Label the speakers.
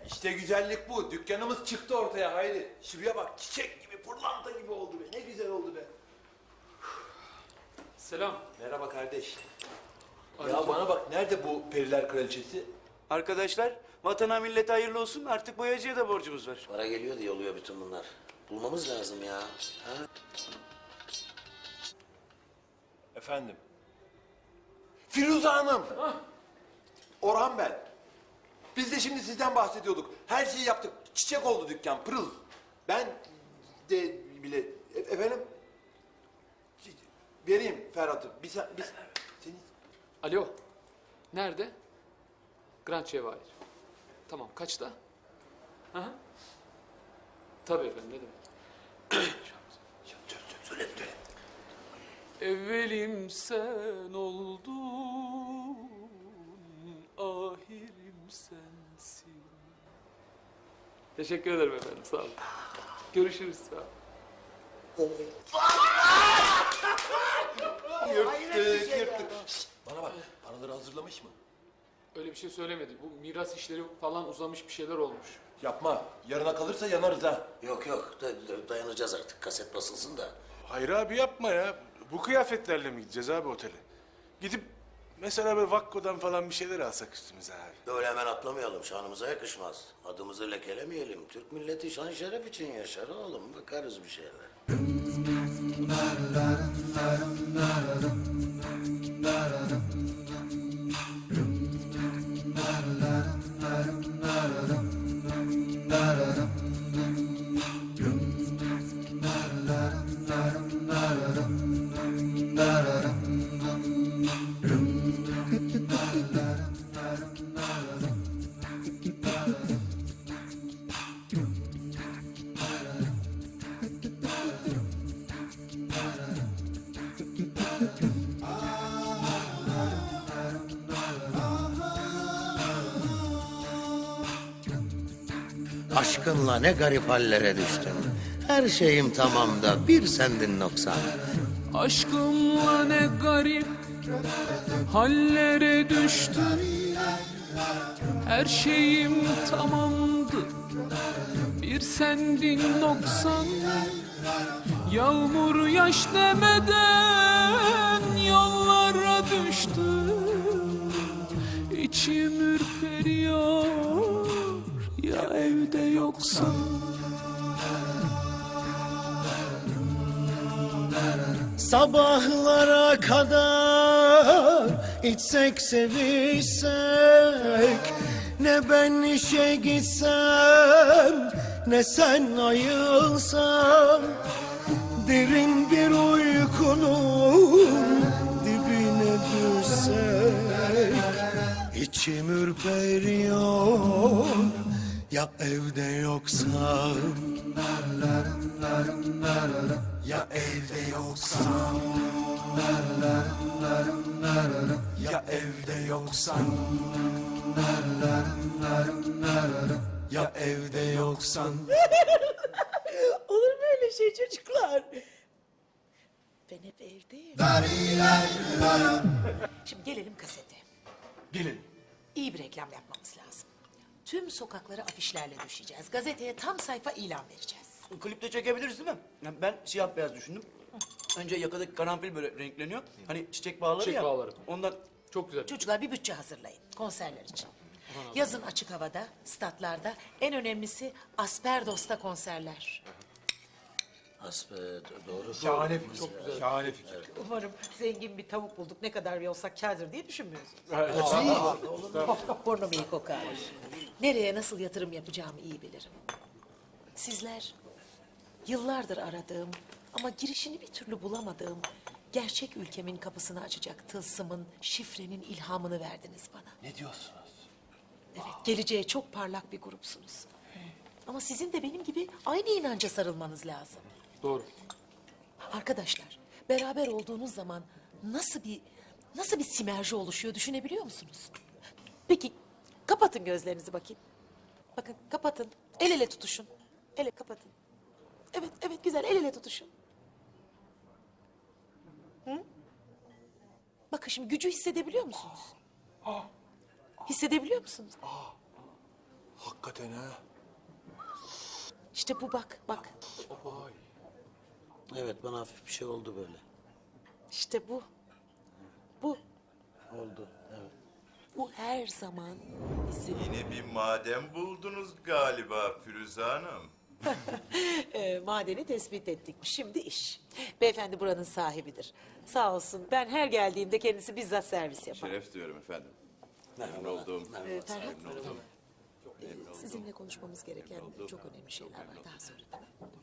Speaker 1: İşte güzellik bu. Dükkanımız çıktı ortaya Hayri. Şuraya bak, çiçek gibi, pırlanta gibi oldu be. Ne güzel oldu be.
Speaker 2: Selam.
Speaker 1: Merhaba kardeş.
Speaker 2: Aleyküm.
Speaker 1: Ya bana bak, nerede bu periler kraliçesi?
Speaker 3: Arkadaşlar, vatana millete hayırlı olsun. Artık boyacıya da borcumuz var.
Speaker 4: Para geliyor diye oluyor bütün bunlar. Bulmamız lazım ya. Ha?
Speaker 1: Efendim? Firuze Hanım! Orhan ben. Biz de şimdi sizden bahsediyorduk. Her şeyi yaptık. Çiçek oldu dükkan, pırıl. Ben de bile... Efendim? Vereyim Ferhat'ı. Seni...
Speaker 2: Alo. Nerede? Grand Cevahir. Tamam, kaçta? Hı hı. Tabii efendim, ne demek?
Speaker 1: Söyle.
Speaker 2: Evvelim sen oldun, ahirim sensin. Teşekkür ederim efendim, sağ olun. Görüşürüz, sağ olun.
Speaker 1: Yırttık. Şişt, bana bak, paraları hazırlamış mı?
Speaker 2: Öyle bir şey söylemedi. Bu miras işleri falan uzamış, bir şeyler olmuş.
Speaker 1: Yapma. Yarına kalırsa yanarız ha.
Speaker 4: Yok dayanacağız artık. Kaset basılsın da.
Speaker 5: Hayır abi yapma ya. Bu kıyafetlerle mi gideceğiz abi otele? Gidip mesela böyle Vakko'dan falan bir şeyler alsak üstümüze abi.
Speaker 4: Böyle hemen atlamayalım. Şanımıza yakışmaz. Adımızı lekelemeyelim. Türk milleti şan şeref için yaşar oğlum. Bakarız bir şeyler. Aşkınla ne garip hallere düştüm. Her şeyim tamam da bir sendin noksan.
Speaker 2: Aşkımla ne garip hallere düştüm. Her şeyim tamamdı, bir sendin noksan. Yağmur yaş demeden yollara düştüm. İçim ürperiyor ya evde yoksan.
Speaker 6: Sabahlara kadar içsek sevişsek, ne ben işe gitsem ne sen ayılsan, derin bir uykunun dibine düşsek, içim ürperiyor ya evde yoksan. Ya evde yoksan, ya evde yoksan, ya evde yoksan.
Speaker 7: Olur mu öyle şey çocuklar? Ben hep evdeyim. Şimdi gelelim kasete.
Speaker 1: Gelin.
Speaker 7: İyi bir reklam yapmamız lazım. Tüm sokaklara afişlerle düşeceğiz. Gazeteye tam sayfa ilan vereceğiz.
Speaker 3: Klipte çekebiliriz değil mi? Yani ben siyah beyaz düşündüm. Önce yakadaki karanfil böyle renkleniyor. Hani çiçek bağları
Speaker 2: Çiçek
Speaker 3: ya.
Speaker 2: bağları.
Speaker 3: Ondan
Speaker 2: Çok güzel.
Speaker 7: Çocuklar bir bütçe hazırlayın konserler için. Yazın açık havada, statlarda, en önemlisi Asperdos'ta konserler.
Speaker 4: Asbe doğru.
Speaker 1: Şahane fikir. Çok güzel. Şahane fikir.
Speaker 7: Umarım zengin bir tavuk bulduk, ne kadar olsak kârdır diye düşünmüyorsunuz. Burnum iyi kokar. Nereye nasıl yatırım yapacağımı iyi bilirim. Sizler yıllardır aradığım ama girişini bir türlü bulamadığım gerçek ülkemin kapısını açacak tılsımın, şifrenin ilhamını verdiniz bana.
Speaker 1: Ne diyorsunuz?
Speaker 7: Evet, geleceğe çok parlak bir grupsunuz. Ama sizin de benim gibi aynı inanca sarılmanız lazım.
Speaker 2: Doğru.
Speaker 7: Arkadaşlar, beraber olduğunuz zaman nasıl bir sinerji oluşuyor düşünebiliyor musunuz? Peki, kapatın gözlerinizi bakayım. Bakın, kapatın. El ele tutuşun. Kapatın. Evet güzel, el ele tutuşun. Hı? Bakın şimdi gücü hissedebiliyor musunuz? Hissedebiliyor musunuz?
Speaker 1: Hakikaten ha.
Speaker 7: İşte bu bak.
Speaker 4: Evet, bana hafif bir şey oldu böyle.
Speaker 7: İşte bu. Bu.
Speaker 4: Oldu, evet.
Speaker 7: Bu her zaman bizim
Speaker 8: Yine bir maden buldunuz galiba Firuze Hanım.
Speaker 7: madeni tespit ettik. Şimdi iş. Beyefendi buranın sahibidir. Sağ olsun. Ben her geldiğimde kendisi bizzat servis yapar.
Speaker 8: Şeref duyuyorum efendim. Memnun oldum.
Speaker 7: Ferhat,
Speaker 8: Memnun oldum.
Speaker 7: sizinle konuşmamız gereken çok önemli şeyler var. Daha sonra. Tamam.